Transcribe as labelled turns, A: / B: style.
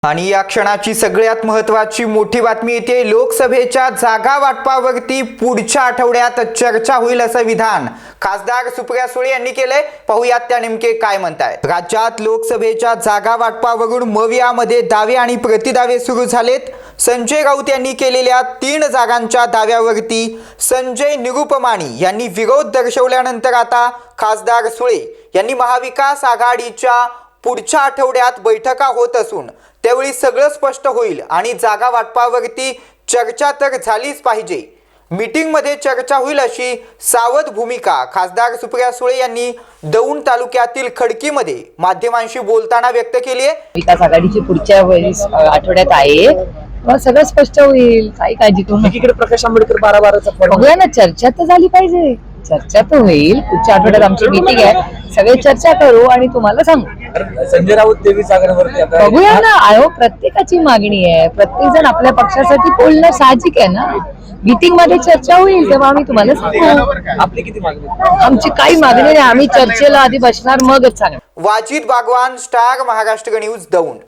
A: आणि या क्षणाची सगळ्यात महत्त्वाची मोठी बातमी येते। लोकसभेच्या जागा वाटपावरती पुढच्या आठवड्यात चर्चा होईल असं विधान खासदार सुप्रिया सुळे यांनी केले। पाहूयात त्या नेमके काय म्हणतायत। राज्यात लोकसभेच्या जागा वाटपावरून मवियामध्ये दावे आणि प्रतिदावे सुरू झालेत। संजय राऊत यांनी केलेल्या 3 जागांच्या दाव्यावरती संजय निरुपमाणी यांनी विरोध दर्शवल्यानंतर आता खासदार सुळे यांनी महाविकास आघाडीच्या पुढच्या आठवड्यात बैठका होत असून त्यावेळी सगळं स्पष्ट होईल आणि जागा वाटपावरती चर्चा तर झालीच पाहिजे। मीटिंगमध्ये चर्चा होईल अशी सावध भूमिका खासदार सुप्रिया सुळे यांनी दौंड तालुक्यातील खडकीमध्ये माध्यमांशी बोलताना व्यक्त केली आहे।
B: विकास आघाडीची पुढच्या आठवड्यात आहे, मग सगळं स्पष्ट होईल, काही काळजी करू नका।
C: एकीकडे प्रकाश आंबेडकर 12-12चा
B: बघूया ना, चर्चा तर झाली पाहिजे, चर्चा तर होईल। पुढच्या आठवड्यात आमची मीटिंग आहे, सगळे चर्चा करू आणि तुम्हाला सांगू।
C: संजय राऊत देवी जागरवरती आता
B: बघूया ना, आयो प्रत्येकाची मागणी आहे, प्रत्येक जण आपल्या पक्षासाठी बोलणं साहजिक आहे ना। मीटिंग मध्ये चर्चा होईल तेव्हा आम्ही तुम्हाला सांगू।
C: आपली किती मागणी?
B: आमची काही मागणी नाही, आम्ही चर्चेला आधी बसणार मगच सांगणार।
A: Wajid Bagwan, star Maharashtra news, Daund.